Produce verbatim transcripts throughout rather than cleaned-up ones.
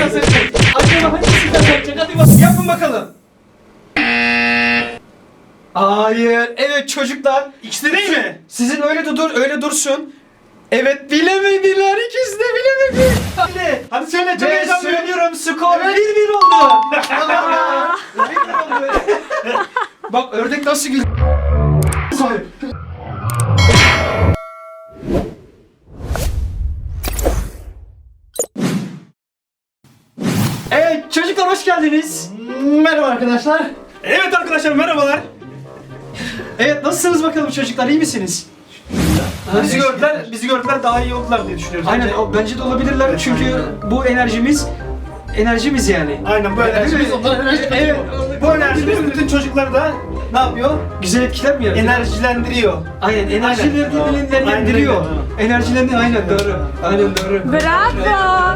kazanacak? Acaba hangisi kazanacak? Hadi bak yapın bakalım. Hayır. Evet çocuklar. İkisi de değil mi? Sizin öyle de dur, öyle dursun. Evet bilemediler. İkisi de bilemedi. Hadi. Hadi söyle, çok Ve heyecanlıyım. söylüyorum skor bir bir oldu. bir bir oldu. Bak ördek nasıl gül. Evet çocuklar hoş geldiniz. Merhaba arkadaşlar. Evet arkadaşlar, merhabalar. Evet nasılsınız bakalım çocuklar, iyi misiniz? Bizi gördüler, bizi gördüler daha iyi oldular diye düşünüyoruz. Aynen Bence- o- bence de olabilirler Evet, çünkü aynen. bu enerjimiz enerjimiz yani. Aynen böyle. Enerjimiz, Evet, onların enerjisi. evet. Bu enerjimiz bütün çocukları da ne yapıyor? Güzel etkiler mi yaratıyor? Enerjilendiriyor. Aynen enerjilerini Aynen. dinlendiriyor. Aynen. Enerjilerini aynen doğru. Aynen doğru. Bravo.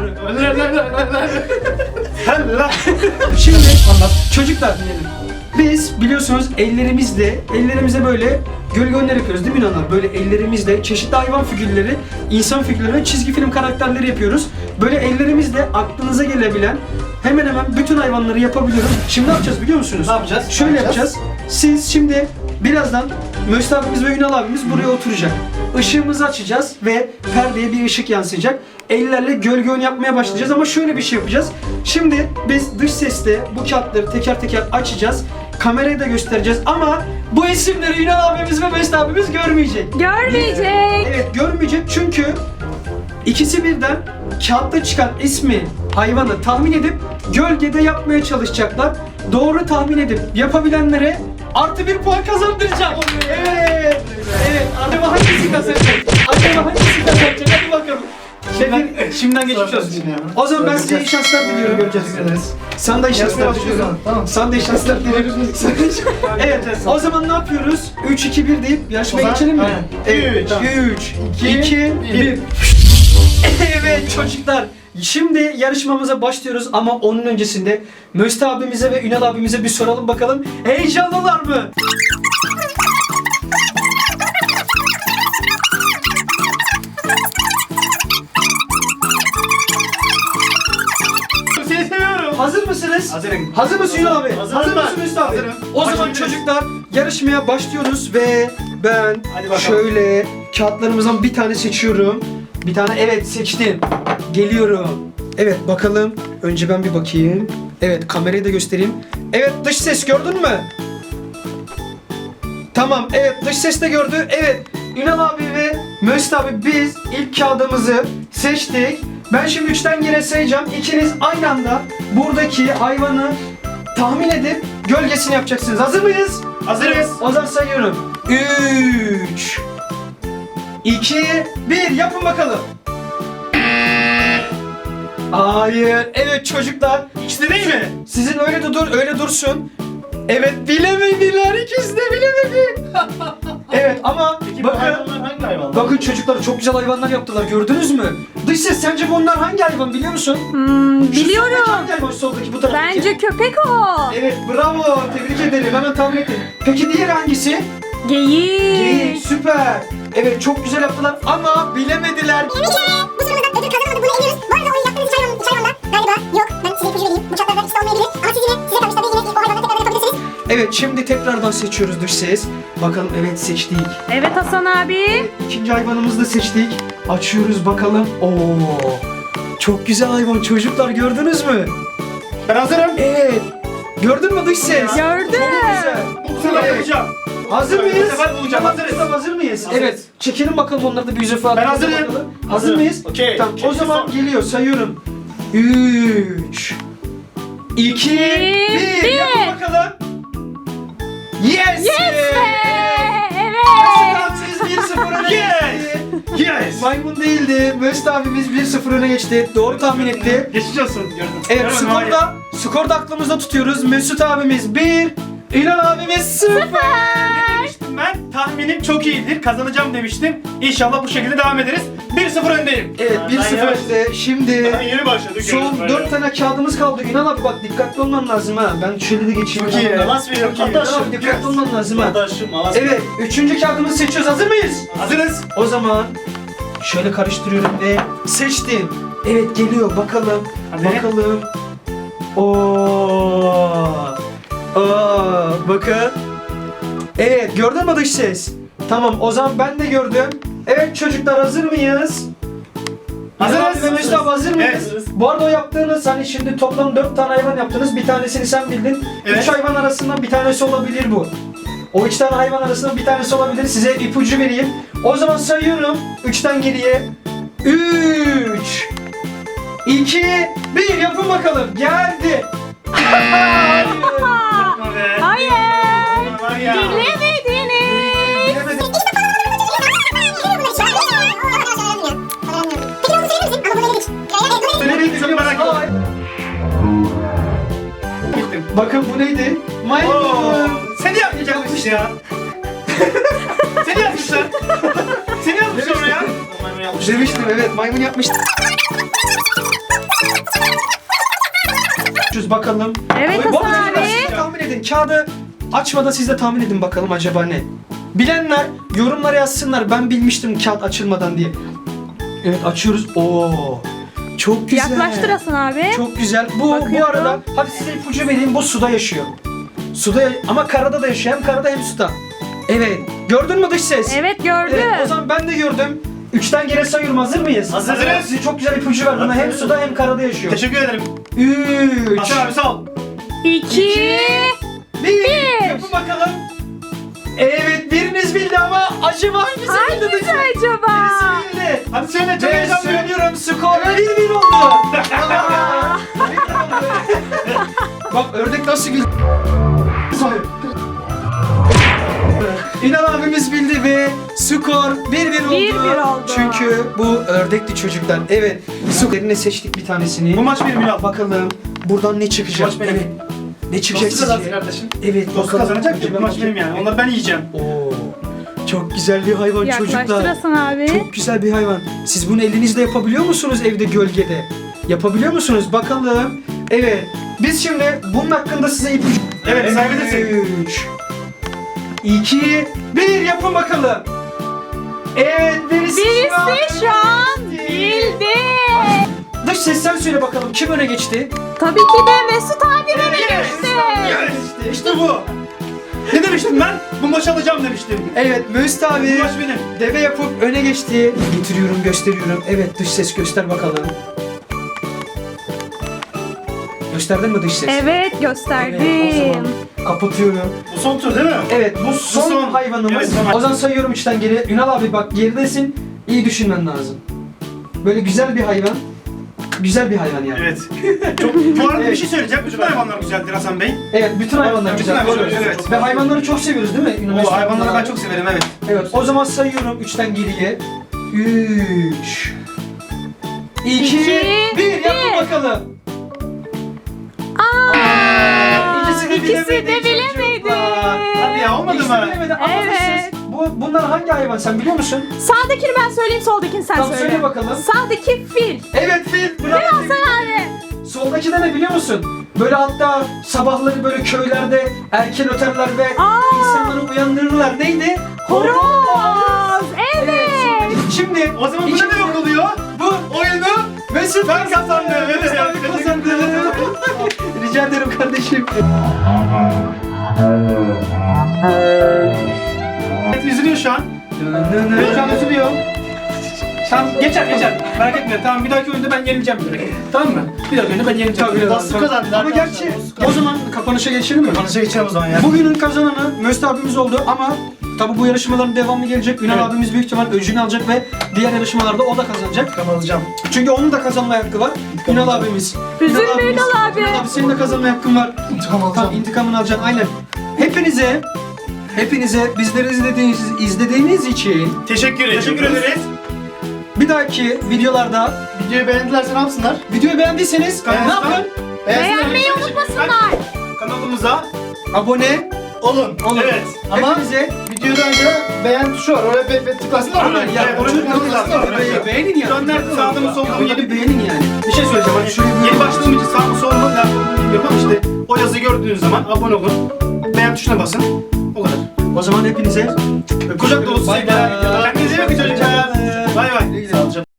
Allah. Şimdi anlat. Çocuklar dinleyelim. Biz biliyorsunuz ellerimizle, ellerimize böyle gölgeler yapıyoruz değil mi inanlar? Böyle ellerimizle çeşitli hayvan figürleri, insan figürleri ve çizgi film karakterleri yapıyoruz. Böyle ellerimizle aklınıza gelebilen hemen hemen bütün hayvanları yapabiliyoruz. Şimdi ne yapacağız biliyor musunuz? Ne yapacağız? Şöyle Ne yapacağız? yapacağız. Siz şimdi birazdan Möst abimiz ve Ünal abimiz buraya oturacak. Işığımızı açacağız ve perdeye bir ışık yansıyacak. Ellerle gölge oyunu yapmaya başlayacağız ama şöyle bir şey yapacağız. Şimdi biz dış sesle bu kağıtları teker teker açacağız. Kameraya da göstereceğiz ama bu isimleri Ünal abimiz ve Möst abimiz görmeyecek. Görmeyecek. Evet görmeyecek çünkü ikisi birden kağıtta çıkan ismi, hayvanı tahmin edip gölgede yapmaya çalışacaklar. Doğru tahmin edip yapabilenlere artı bir puan kazandıracak. Evet. Evet. Acaba hangisi kazanacak? Acaba hangisi kazanacak? Hadi bakalım. Şimdiden, şimdiden geçmiş olsun. O zaman ben size iyi şanslar diliyorum. Göreceğiz. ederiz. Sana da iyi şanslar Yarışmaya diliyorum. başlıyoruz. Tamam. Sana da iyi şanslar diliyorum. Evet. O zaman ne yapıyoruz? üç iki bir deyip yarışmaya O zaman- geçelim mi? Aynen. Evet. Üç, üç, iki, iki, bir. bir. Evet çocuklar. Şimdi yarışmamıza başlıyoruz ama onun öncesinde Möst abimize ve Ünal abimize bir soralım bakalım. Heyecanlılar mı? Seni seviyorum. Hazır mısınız? Hazırım. Hazır mısın Ünal abi? Hazırım Hazır ben. mısın Möst abi? Hazırım. O zaman Başlayabiliriz. çocuklar yarışmaya başlıyoruz ve ben Hadi bakalım. şöyle kağıtlarımızdan bir tane seçiyorum. Bir tane evet seçtim. Geliyorum. Evet bakalım. Önce ben bir bakayım. Evet kamerayı da göstereyim. Evet dış ses gördün mü? Tamam evet dış ses de gördü. Evet Ünal abi ve Möst abi biz ilk kağıdımızı seçtik. Ben şimdi üçten geri sayacağım. İkiniz aynı anda buradaki hayvanı tahmin edip gölgesini yapacaksınız. Hazır mıyız? Hazırız. O zaman sayıyorum. üç iki bir yapın bakalım. Hayır. Evet çocuklar. İkisi de değil mi? Sizin öyle de dur, öyle dursun. Evet bilemediler. İkisi de bilemedi. Evet ama Peki bu bakın. hayvanlar hangi hayvanlar? Bakın çocuklar çok güzel hayvanlar yaptılar. Gördünüz mü? Dış ses sence bunlar hangi hayvan biliyor musun? Hmm, Şu soldaki biliyorum. hangi hayvan? Şu soldaki bu taraftaki. Bence köpek o. Evet bravo. Tebrik ederim. Hemen tahmin ettim. Peki diğeri hangisi? Geyik. Geyik. Süper. Evet çok güzel yaptılar ama bilemediler. Bir kere bu sorumuzda ödül kazanamadık, bunu eliyoruz. Bu arada oyun yaptığınız üç hayvan, üç hayvanlar galiba yok. Ben size ipucu vereyim. Bu çatlarda ikisi de olmayabilir. Ama siz yine size kalmış tabii yine o hayvanları tekrar yapabilirsiniz. Evet şimdi tekrardan seçiyoruz dış ses. Bakalım evet seçtik. Evet Hasan abi. İkinci hayvanımızı da seçtik. Açıyoruz bakalım. Oo. Çok güzel hayvan çocuklar gördünüz mü? Ben hazırım. Evet. Gördün mü dış ses? Gördüm. Çok güzel. Bu sefer Evet. bulacağım. Hazır Bu mıyız? sefer bulacağım. Hazırız. Hazırız. Hazır mıyız? Hazırız. Evet. Çekelim bakalım onları da bir yüzü falan. Ben hazırım. Bakalım. Hazır Hazırım. mıyız? Okey. Tamam. O Çekil zaman son. geliyor. Sayıyorum. üç iki bir bir. Yapın bakalım. Yes. Yes be. Evet. Tamam, siz bir sıfır öne geçti. Yes. Maymun değildi. Möst abimiz bir sıfır öne geçti. Doğru tahmin etti. Geçmiş olsun. Gördüm. Evet Gördüm, skorda, skorda aklımızda tutuyoruz. Mesut abimiz bir, İlhan abimiz sıfır. Ne demiştim ben? Tahminim çok iyidir. Kazanacağım demiştim. İnşallah bu şekilde devam ederiz. bir sıfır öndeyim. Evet bir sıfır önde. Şimdi Ben yeni başladık. son dört tane kağıdımız kaldı. İlhan abi bak dikkatli olman lazım ha. Ben şöyle de geçeyim. Çok iyi. İlhan abi. Nasıl veriyorum? İlhan abi dikkatli olman lazım ha. Arkadaşım, Evet üçüncü kağıdımızı seçiyoruz. Hazır mıyız? Hazırız. O zaman şöyle karıştırıyorum ve seçtim. Evet geliyor bakalım. Hadi. Bakalım. Oo. Aa, bakın. Evet, gördün mü dış ses? Tamam, o zaman ben de gördüm. Evet çocuklar, hazır mıyız? Hazırız. Hazırız. Ve Mesut abi, hazır mıyız? Evet, hazırız. Bu arada o yaptığınız, hani şimdi toplam dört tane hayvan yaptınız. Bir tanesini sen bildin. Evet. Üç hayvan arasından bir tanesi olabilir bu. O üç tane hayvan arasından bir tanesi olabilir. Size ipucu vereyim. O zaman sayıyorum. Üçten geriye. Üç. iki. Bir. Yapın bakalım. Geldi. Hayır. Yapma be. Hayır. Var ya. Bilemediniz. Bilemedim. Söylemeyi çok merak ettim. Hayır. Gittim. Bakın bu neydi? Oo, Maymun. seni yapmayacakmış ya. Seni yapmışlar. Seni yapmışlar oraya. Maymun yapmış. Demiştim, evet, maymun yapmıştım. Bakalım. Evet Bu Hasan arada abi. siz de tahmin edin. Kağıdı açmadan siz de tahmin edin bakalım acaba ne? Bilenler yorumlara yazsınlar. Ben bilmiştim kağıt açılmadan diye. Evet, açıyoruz. Oo. Çok güzel. Yaklaştır Hasan abi. Çok güzel. Bu bu Bakıyorum. arada hadi size ipucu vereyim. Bu suda yaşıyor. Suda ya- ama karada da yaşıyor. Hem karada hem suda. Evet. Gördün mü dış ses? Evet gördüm. Evet, o zaman ben de gördüm. Üçten geri sayıyorum. Hazır mıyız? Hazırız. Size çok güzel ipucu verdim. Hem Hazırız. suda hem karada yaşıyor. Teşekkür ederim. Üç. Hasan abi sağ ol. İki. Bir. Bir. Yapın bakalım. Evet, biriniz bildi ama acaba hangisi bildi? Hangisi dış ses? acaba? Birisi bildi. Hadi söyle çok Ve heyecanlıyım. söylüyorum, skor bir bir oldu. Aa, bir bir oldu. Bak ördek nasıl gül. İnan abimiz bildi ve skor bir bir oldu. bir bir oldu. Çünkü bu ördekti çocuklar. Evet. Skorunu seçtik bir tanesini. Bu maç benim Ünal. Bakalım buradan ne çıkacak? Maç benim. Evet. Ne çıkacak Dostu kazansın sizce? kardeşim. Evet, Dostu bakalım. kazanacak ki bu maç Acaba- benim yani. Onları ben yiyeceğim. Oo. Çok güzel bir hayvan Yaklaştır çocuklar. Hasan abi. Çok güzel bir hayvan. Siz bunu elinizle yapabiliyor musunuz evde gölgede? Yapabiliyor musunuz? Bakalım. Evet. Biz şimdi bunun hakkında size ipucu... Evet, sayabilirsin. üç, iki, bir yapın bakalım. Evet, birisi, şu an- Birisi şu an bildi. Dış ses sen söyle bakalım. Kim öne geçti? Tabii ki de Mesut abi öne Yes. geçti. Yes. İşte bu. Ne demiştim ben? Bu maçı alacağım demiştim. Evet, Mesut Bu abi maç benim. deve yapıp öne geçti. Getiriyorum, gösteriyorum. Evet, dış ses göster bakalım. Gösterdin mi dış ses? Evet Evet, o gösterdim. zaman kapatıyorum. Bu son tur değil mi? Evet, bu son, son. hayvanımız. Evet, son. O zaman sayıyorum üçten geri. Ünal abi bak, geridesin. İyi düşünmen lazım. Böyle güzel bir hayvan. Güzel bir hayvan yani. Evet. Çok, bu arada Evet. bir şey söyleyeceğim. Bütün hayvanlar güzeldir Hasan Bey. Evet, bütün hayvanlar Bütün güzel. hayvanlar Doğru. güzel, evet. Ve hayvanları çok seviyoruz değil mi? Ünal O Mesut hayvanları abi? ben çok severim evet. Evet, o zaman sayıyorum üçten geriye. Üç. İki. İki, Bir. Yapın bir. bakalım. Aa, İkisi de ikisi de bilemedi bilemedi. çocuklar. Hadi ya olmadı İkisi de mı? bilemedi ama Evet. siz- bu, bunlar hangi hayvan sen biliyor musun? Sağdakini ben söyleyeyim, soldakini sen Tamam, söyle. söyle bakalım. Sağdaki fil. Evet, fil. Bravo. Hasan abi. Soldaki de ne biliyor musun? Böyle hatta sabahları böyle köylerde erken öterler ve Aa. insanları uyandırırlar. Neydi? Horoz. Evet. Şimdi O zaman bu iki- ne demek oluyor? Bu Oyunu Mesut ben kazandım. Evet. Mesut abi kazandı. Rica ederim kardeşim. Evet, üzülüyor şu an. Evet, şu an üzülüyor. Tamam geçer geçer. Merak etme. Tamam bir dahaki oyunda ben yenileceğim direkt. Tamam mı? Bir dahaki oyunda ben yenileceğim. Tabii, Dostu tabii. kazandı. Ama gerçi o zaman kapanışa geçelim mi? Kapanışa geçelim o zaman ya. Bugünün kazananı Mesut abimiz oldu ama tabi bu yarışmaların devamı gelecek. Ünal Evet. abimiz büyük ihtimal öcünü alacak ve diğer yarışmalarda o da kazanacak. Ben alacağım. Çünkü onun da kazanma hakkı var. Ünal abimiz. Üzülme abimiz. Ünal abi. Ünal abi senin de kazanma hakkın var. İntikam Tamam, intikamını alacaksın aynen. Hepinize hepinize bizleri izlediğiniz, izlediğiniz için Teşekkür ederiz. Teşekkür ederiz. bir dahaki videolarda Videoyu beğendilerse ne yapsınlar? videoyu beğendiyseniz ne Beğensinler. yapın? Beğenmeyi unutmasınlar. Kanalımıza Abone olun. olun. Evet. Ama Hepinize videodan önce beğen tuşu var. Oraya be, be, tıklasınlar. Aynen, Oraya. ya, Evet, oraya oraya tıklasınlar. tıklasınlar. Oraya. Beğenin ya. Şu an nerede? Sağda mı solda mı? Yeni Yeni beğenin yani. bir şey söyleyeceğim. Hani Şöyle bir- yeni başladığım için sağ mı sol mu nerede olduğunu bilmiyorum ama işte o yazıyı gördüğünüz zaman abone olun. Beğen tuşuna basın. O kadar. O zaman hepinize Kucak dolusu Bay sevgiler. bay. Kendinize iyi bakın çocuklar. Bay bay.